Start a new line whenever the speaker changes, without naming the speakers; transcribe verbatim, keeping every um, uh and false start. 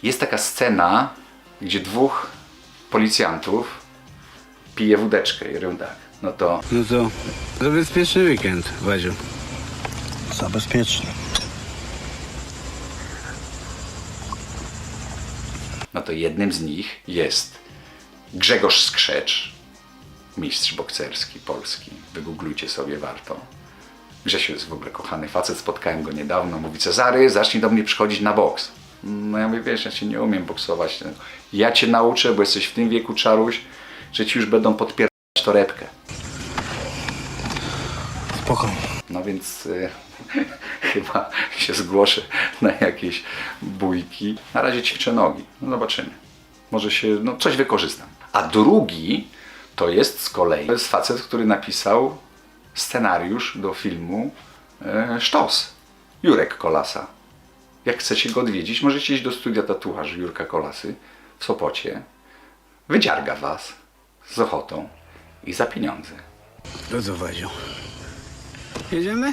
Jest taka scena, gdzie dwóch policjantów pije wódeczkę i robią tak. No to
No to zabezpieczny weekend, Wadziu.
Zabezpieczny.
No to jednym z nich jest Grzegorz Skrzecz, mistrz bokserski polski. Wygooglujcie sobie, warto. Grzesiu jest w ogóle kochany facet, spotkałem go niedawno. Mówi: Cezary, zacznij do mnie przychodzić na boks. No ja mówię: wiesz, ja cię nie umiem boksować. Ja cię nauczę, bo jesteś w tym wieku, czaruś, że ci już będą podpierać torebkę.
Spokojnie.
No więc y, chyba się zgłoszę na jakieś bójki. Na razie ćwiczę nogi. No zobaczymy. Może się, no coś wykorzystam. A drugi to jest z kolei to jest facet, który napisał scenariusz do filmu e, Sztos. Jurek Kolasa. Jak chcecie go odwiedzić, możecie iść do studia tatuaży Jurka Kolasy w Sopocie. Wydziarga was z ochotą i za pieniądze.
To co, Wadziu? Jedziemy?